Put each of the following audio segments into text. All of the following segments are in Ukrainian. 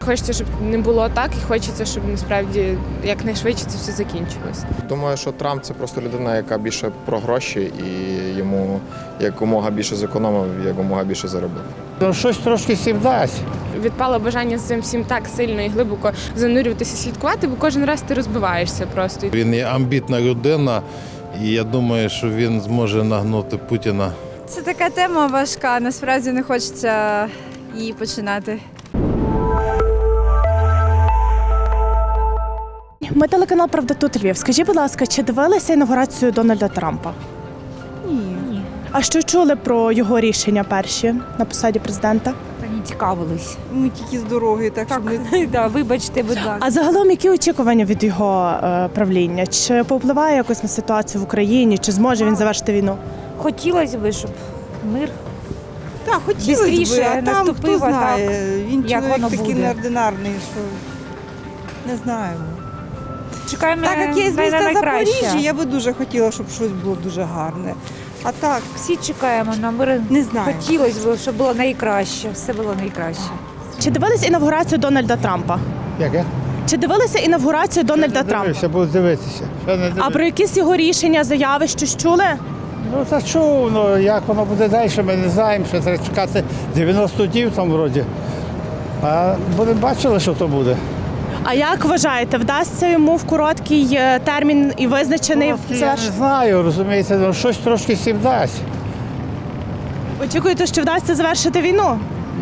хочеться, щоб не було так, і хочеться, щоб насправді якнайшвидше це все закінчилось. Думаю, що Трамп – це просто людина, яка більше про гроші, і йому якомога більше зекономив, якомога більше заробив. Щось трошки всім дасть. Відпало бажання з цим всім так сильно і глибоко занурюватися, слідкувати, бо кожен раз ти розбиваєшся просто. Він є амбітна людина, і я думаю, що він зможе нагнути Путіна. Це така тема важка, насправді не хочеться її починати. Ми телеканал «Правда тут Львів». Скажіть, будь ласка, чи дивилися інавгурацію Дональда Трампа? Ні. А що чули про його рішення перші на посаді президента? Та не цікавились. Ми тільки з дороги, так що ми... Да, вибачте, будь ласка. А загалом, які очікування від його правління? Чи повпливає якось на ситуацію в Україні? Чи зможе він завершити війну? Хотілося б, щоб мир. Так, хотілося Бистріше б, а там наступив, хто знає. Він як чоловік воно такий буде. неординарний, що не знаю. Чекаємо Так як я з на міста найкраще. Запоріжжя, я би дуже хотіла, щоб щось було дуже гарне. А так, Всі чекаємо на мир. не знаю. Хотілося б, щоб було найкраще. Все було найкраще. Чи дивилися інавгурацію Дональда Трампа? Яке? Чи дивилися інавгурацію Дональда Трампа? Дивився, буду дивитися. А про якісь його рішення, заяви, щось чули? Ну, та чув, ну, як воно буде далі, ми не знаємо, що треба чекати 90 днів там вроді. А будемо бачили, що то буде. А як вважаєте, вдасться йому в короткий термін і визначений Я не завершити? знаю, розумієте, ну, щось трошки всім дасть. Очікуєте, що вдасться завершити війну?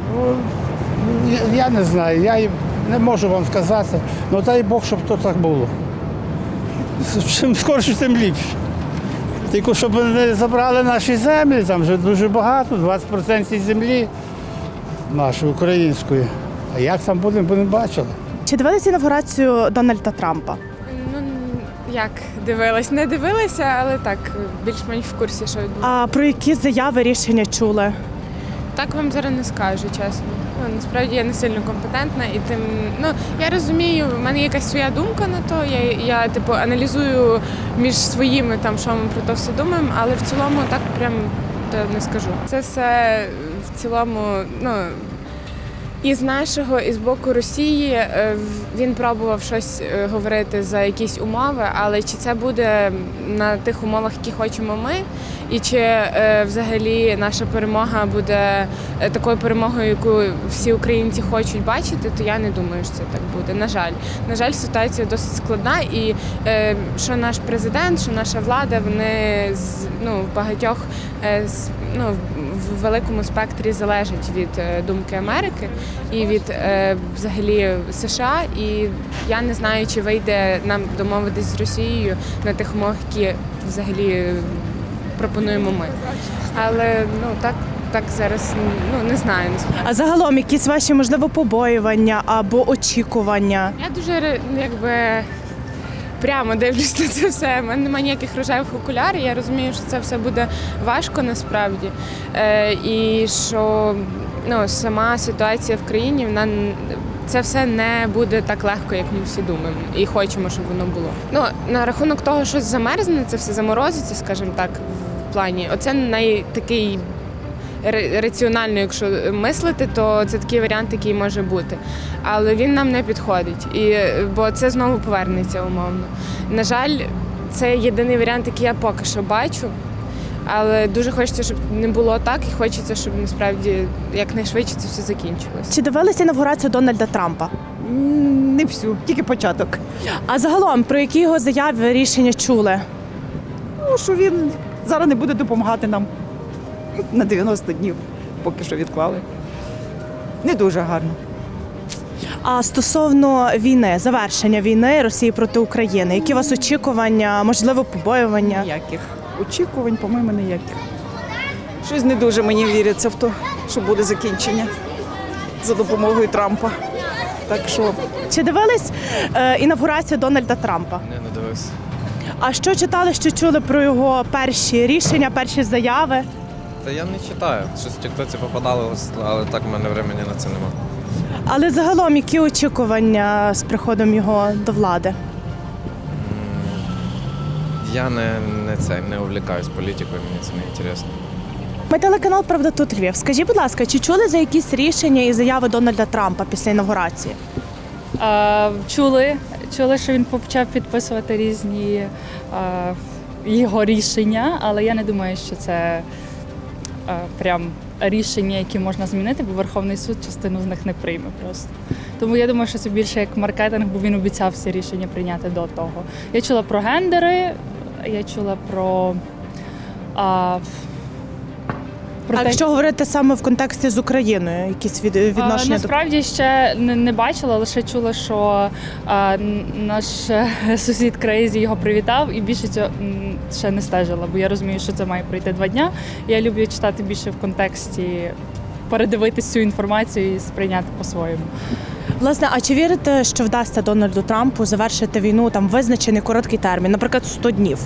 Я не знаю, я не можу вам сказати. Ну дай Бог, щоб то так було. Чим скорше, тим ліпше. Тільки щоб не забрали наші землі, там вже дуже багато, 20% землі нашої української. А як там будемо бачили. Чи дивилися інавгурацію Дональда Трампа? Ну, як дивилась? Не дивилася, але так, більш-менш в курсі, що відбувається. А про які заяви, рішення чули? Так вам зараз не скажу, чесно. Ну, насправді я не сильно компетентна і тим, ну, я розумію, в мене якась своя думка на то, я типу, аналізую між своїми, там, що ми про то все думаємо, але в цілому так прям то не скажу. Це все в цілому, ну, і з нашого, і з боку Росії він пробував щось говорити за якісь умови, але чи це буде на тих умовах, які хочемо ми, і чи взагалі наша перемога буде такою перемогою, яку всі українці хочуть бачити, то я не думаю, що це так буде. На жаль. На жаль, ситуація досить складна, і що наш президент, що наша влада, вони ну, в багатьох ну, в великому спектрі залежать від думки Америки і від взагалі США. І я не знаю, чи вийде нам домовитись з Росією на тих умовах, які взагалі пропонуємо ми. Але ну так зараз ну не знаю. А загалом якісь ваші, можливо, побоювання або очікування? Я дуже якби прямо дивлюсь на це все. У мене немає ніяких рожевих окулярів. Я розумію, що це все буде важко насправді. І що ну, сама ситуація в країні, вона це все не буде так легко, як ми всі думаємо. І хочемо, щоб воно було. Ну, на рахунок того, що замерзне, це все заморозиться, скажімо так, в плані. Оце найтакий раціонально, якщо мислити, то це такий варіант, який може бути. Але він нам не підходить, бо це знову повернеться умовно. На жаль, це єдиний варіант, який я поки що бачу, але дуже хочеться, щоб не було так, і хочеться, щоб насправді якнайшвидше це все закінчилось. Чи дивилися інавгурацію Дональда Трампа? Не всю, тільки початок. А загалом, про які його заяви, рішення чули? Ну, що він зараз не буде допомагати нам на 90 днів, поки що відклали. Не дуже гарно. А стосовно війни, завершення війни Росії проти України, які у вас очікування, можливо, побоювання? Ніяких очікувань, по-моєму, ніяких. Щось не дуже мені віриться в те, що буде закінчення за допомогою Трампа. Так що... Чи дивились інавгурацію Дональда Трампа? Не дивився. А що читали, що чули про його перші рішення, перші заяви? Та я не читаю. Щось в тіктоці попадало, але так в мене времени на це нема. Але загалом, які очікування з приходом його до влади? Я не увлікаюсь політикою, мені це не цікаво. Ми телеканал «Правда тут Львів». Скажіть, будь ласка, чи чули за якісь рішення і заяви Дональда Трампа після інавгурації? Чули, що він почав підписувати різні його рішення, але я не думаю, що це прям рішення, які можна змінити, бо Верховний суд частину з них не прийме просто. Тому я думаю, що це більше як маркетинг, бо він обіцяв всі рішення прийняти до того. Я чула про гендери, я чула про А якщо говорити саме в контексті з Україною, якісь відношення насправді ще не бачила, лише чула, що наш сусід Крейзі його привітав, і більше цього ще не стежила, бо я розумію, що це має пройти 2 дня. Я люблю читати більше в контексті, передивитись цю інформацію і сприйняти по-своєму. Власне, а чи вірите, що вдасться Дональду Трампу завершити війну там визначений короткий термін, наприклад, 100 днів?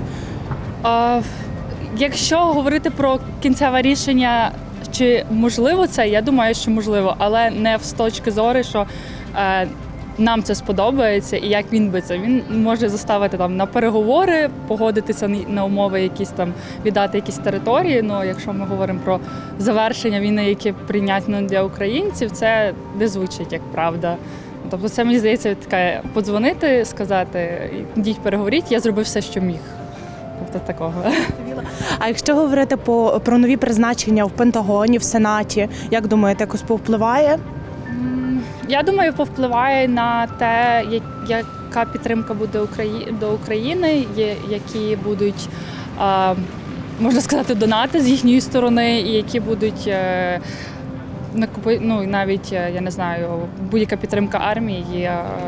Якщо говорити про кінцеве рішення, чи можливо це, я думаю, що можливо, але не з точки зору, що нам це сподобається і як він би це. Він може заставити там на переговори, погодитися на умови, якісь там віддати якісь території. Ну, якщо ми говоримо про завершення війни, яке прийнятно для українців, це не звучить як правда. Тобто це, мені здається, таке подзвонити, сказати, йдіть переговоріть, я зробив все, що міг. Тобто такого. А якщо говорити про нові призначення в Пентагоні, в Сенаті, як думаєте, якось повпливає? Я думаю, повпливає на те, яка підтримка буде до України, які будуть, можна сказати, донати з їхньої сторони, і які будуть навіть, я не знаю, будь-яка підтримка армії,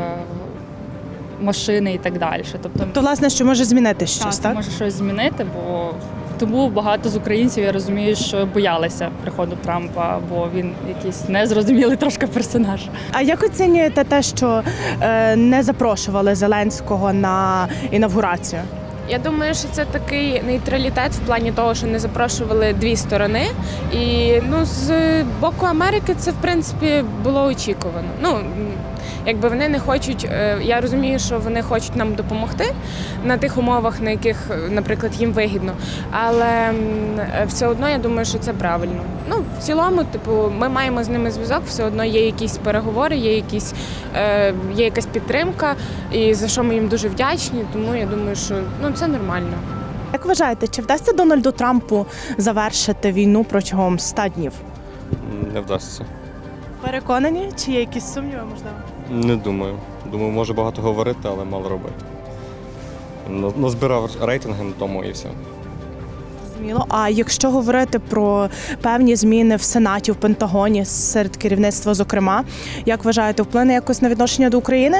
машини і так далі. Тобто, власне, що може змінити щось, так? Може щось змінити, бо тому багато з українців, я розумію, що боялися приходу Трампа, бо він якийсь незрозумілий трошки персонаж. А як оцінюєте те, що не запрошували Зеленського на інавгурацію? Я думаю, що це такий нейтралітет в плані того, що не запрошували 2 сторони. І з боку Америки це, в принципі, було очікувано. Якби вони не хочуть, я розумію, що вони хочуть нам допомогти на тих умовах, на яких, наприклад, їм вигідно. Але все одно я думаю, що це правильно. В цілому, ми маємо з ними зв'язок, все одно є якісь переговори, є якась підтримка, і за що ми їм дуже вдячні. Тому я думаю, що це нормально. Як вважаєте, чи вдасться Дональду Трампу завершити війну протягом 100 днів? Не вдасться. Переконані? Чи є якісь сумніви, можливо? Не думаю. Думаю, може багато говорити, але мало робити. Назбирав рейтинги на тому і все. Зрозуміло. А якщо говорити про певні зміни в Сенаті, в Пентагоні, серед керівництва, зокрема, як вважаєте, вплине якось на відношення до України?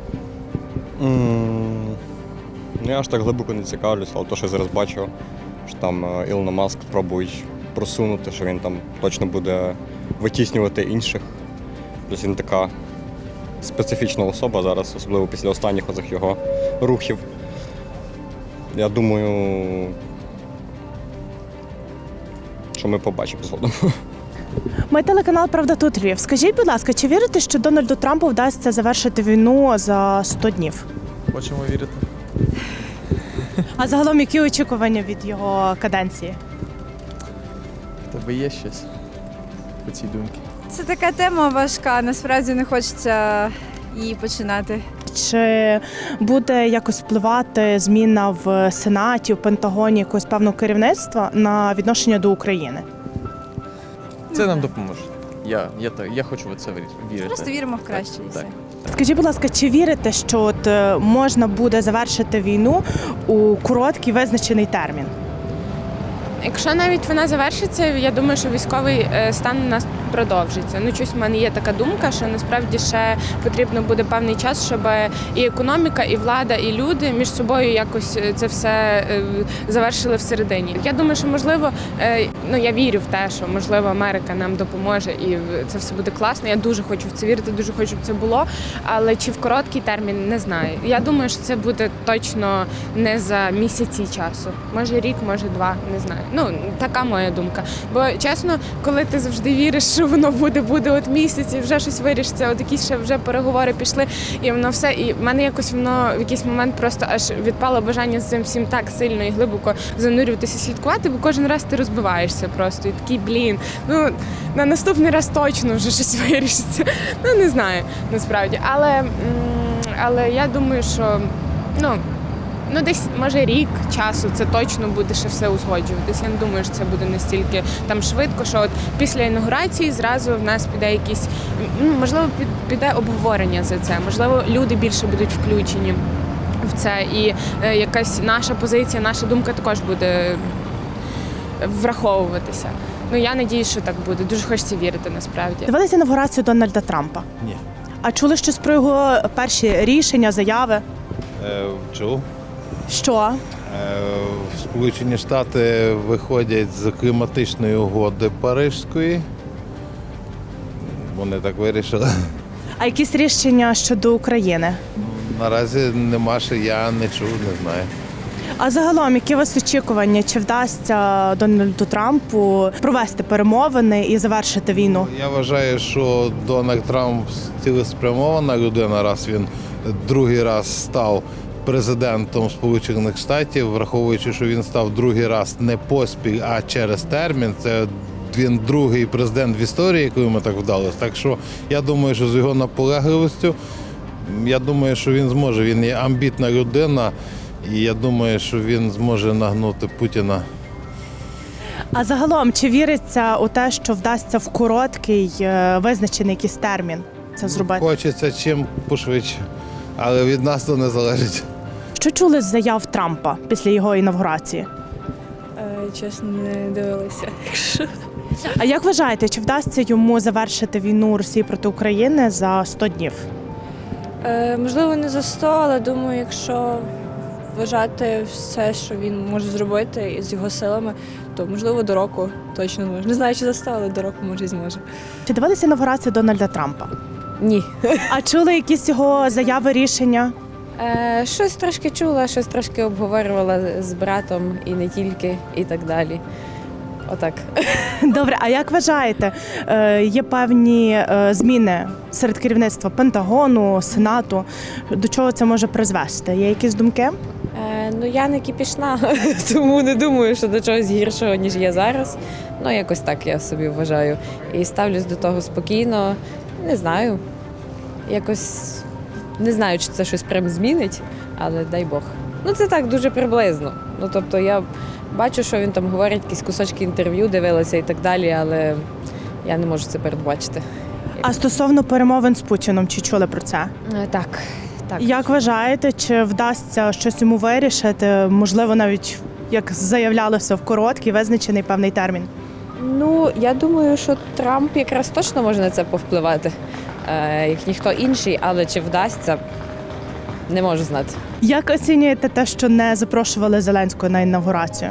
Я аж так глибоко не цікавлюсь, але то, що я зараз бачу, що там Ілона Маск пробують просунути, що він там точно буде витіснювати інших. Тобто він така специфічна особа зараз, особливо після останніх оцих його рухів. Я думаю, що ми побачимо згодом. Ми телеканал «Правда тут Львів». Скажіть, будь ласка, чи вірите, що Дональду Трампу вдасться завершити війну за 100 днів? Хочемо вірити. А загалом, які очікування від його каденції? В тебе є щось по цій думці? Це така тема важка, насправді не хочеться її починати. Чи буде якось впливати зміна в Сенаті, в Пентагоні, якогось певного керівництва на відношення до України? Це нам допоможе. Я хочу в це вірити. Просто віримо в краще і все. Скажіть, будь ласка, чи вірите, що можна буде завершити війну у короткий визначений термін? Якщо навіть вона завершиться, я думаю, що військовий стан у нас продовжиться. Щось в мене є така думка, що насправді ще потрібно буде певний час, щоб і економіка, і влада, і люди між собою якось це все завершили всередині. Я думаю, що можливо, я вірю в те, що можливо Америка нам допоможе і це все буде класно. Я дуже хочу в це вірити, дуже хочу, щоб це було. Але чи в короткий термін, не знаю. Я думаю, що це буде точно не за місяці часу. Може рік, може 2, не знаю. Така моя думка. Бо чесно, коли ти завжди віриш, що воно буде от місяць і вже щось вирішиться, от якісь ще вже переговори пішли, і воно все. І в мене якось воно в якийсь момент просто аж відпало бажання з цим всім так сильно і глибоко занурюватися, слідкувати, бо кожен раз ти розбиваєшся просто. І такий, на наступний раз точно вже щось вирішиться. Ну, не знаю, насправді. Але я думаю, що десь, може, рік часу це точно буде ще все узгоджуватись. Я не думаю, що це буде настільки там швидко, що от після інаугурації зразу в нас піде якісь, можливо, піде обговорення за це, можливо, люди більше будуть включені в це, і якась наша позиція, наша думка також буде враховуватися. Я надіюсь, що так буде. Дуже хочеться вірити, насправді. Дивилися інавгурацію Дональда Трампа? Ні. А чули щось про його перші рішення, заяви? Чув? Що? Сполучені Штати виходять з кліматичної угоди Паризької. Вони так вирішили. А якісь рішення щодо України? Наразі нема, що я не чув, не знаю. А загалом, які у вас очікування? Чи вдасться Дональду Трампу провести перемовини і завершити війну? Я вважаю, що Дональд Трамп цілеспрямована людина, раз він другий раз став президентом Сполучених Штатів, враховуючи, що він став другий раз не поспіль, а через термін. Це він другий президент в історії, коли ми так вдалося. Так що я думаю, що з його наполегливістю, я думаю, що він зможе. Він є амбітна людина, і я думаю, що він зможе нагнути Путіна. А загалом, чи віриться у те, що вдасться в короткий визначений якийсь термін це зробити? Хочеться чим пошвидше, але від нас то не залежить. Що чули з заяв Трампа після його інавгурації? Чесно, не дивилася. А як вважаєте, чи вдасться йому завершити війну Росії проти України за 100 днів? Можливо, не за 100, але думаю, якщо вважати все, що він може зробити з його силами, то, можливо, до року точно зможе. Не знаю, чи за 100, але до року, може, і зможе. Чи дивилися інавгурацію Дональда Трампа? Ні. А чули якісь його заяви, рішення? Щось трошки чула, щось трошки обговорювала з братом і не тільки, і так далі. Отак. Добре, а як вважаєте, є певні зміни серед керівництва Пентагону, Сенату? До чого це може призвести? Є якісь думки? Я не кипішна, тому не думаю, що до чогось гіршого, ніж є зараз. Якось так я собі вважаю. І ставлюсь до того спокійно. Не знаю. Якось не знаю, чи це щось прям змінить, але дай Бог. Це так, дуже приблизно. Тобто я бачу, що він там говорить, якісь кусочки інтерв'ю дивилася і так далі, але я не можу це передбачити. А стосовно перемовин з Путіном, чи чули про це? Так. Як вважаєте, чи вдасться щось йому вирішити? Можливо, навіть, як заявлялося, в короткий, визначений певний термін? Я думаю, що Трамп якраз точно може на це повпливати, як ніхто інший, але чи вдасться, не можу знати. Як оцінюєте те, що не запрошували Зеленського на інавгурацію?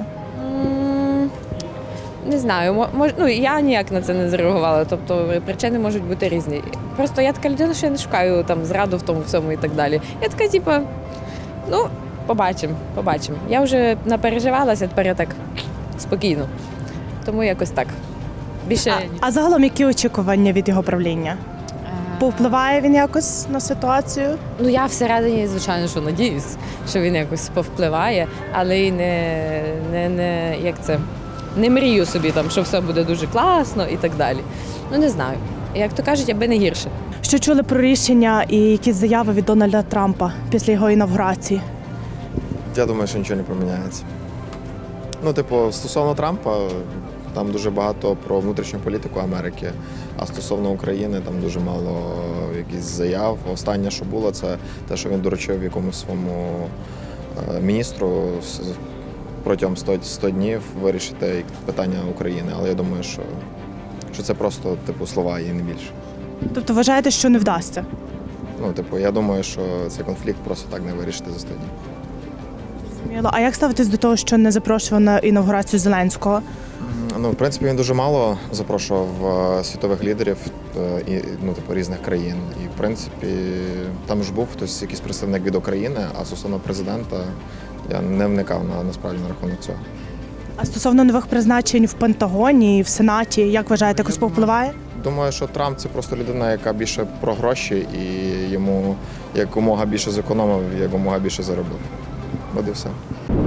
Не знаю, я ніяк на це не зреагувала, тобто причини можуть бути різні. Просто я така людина, що я не шукаю там зраду в тому всьому і так далі. Я така, побачимо. Я вже напереживалася, тепер я так спокійно. Тому якось так. Більше... А загалом, які очікування від його правління? Повпливає він якось на ситуацію? Я всередині, звичайно, що надіюсь, що він якось повпливає, але й не мрію собі, що все буде дуже класно і так далі. Не знаю. Як то кажуть, аби не гірше. Що чули про рішення і якісь заяви від Дональда Трампа після його інавгурації? Я думаю, що нічого не поміняється. Стосовно Трампа, там дуже багато про внутрішню політику Америки, а стосовно України там дуже мало якихось заяв. Останнє, що було, це те, що він доручив якомусь своєму міністру протягом 100 днів вирішити питання України. Але я думаю, що це просто слова і не більше. Тобто вважаєте, що не вдасться? Я думаю, що цей конфлікт просто так не вирішити за 100 днів. А як ставитесь до того, що не запрошував на інавгурацію Зеленського? В принципі, він дуже мало запрошував світових лідерів різних країн. І, в принципі, там ж був хтось, якийсь представник від України, а стосовно президента я не вникав насправді на рахунок цього. А стосовно нових призначень в Пентагоні і в Сенаті, як вважаєте, якось повпливає? думаю, що Трамп це просто людина, яка більше про гроші і йому якомога більше зекономив, якомога більше заробив. От і все.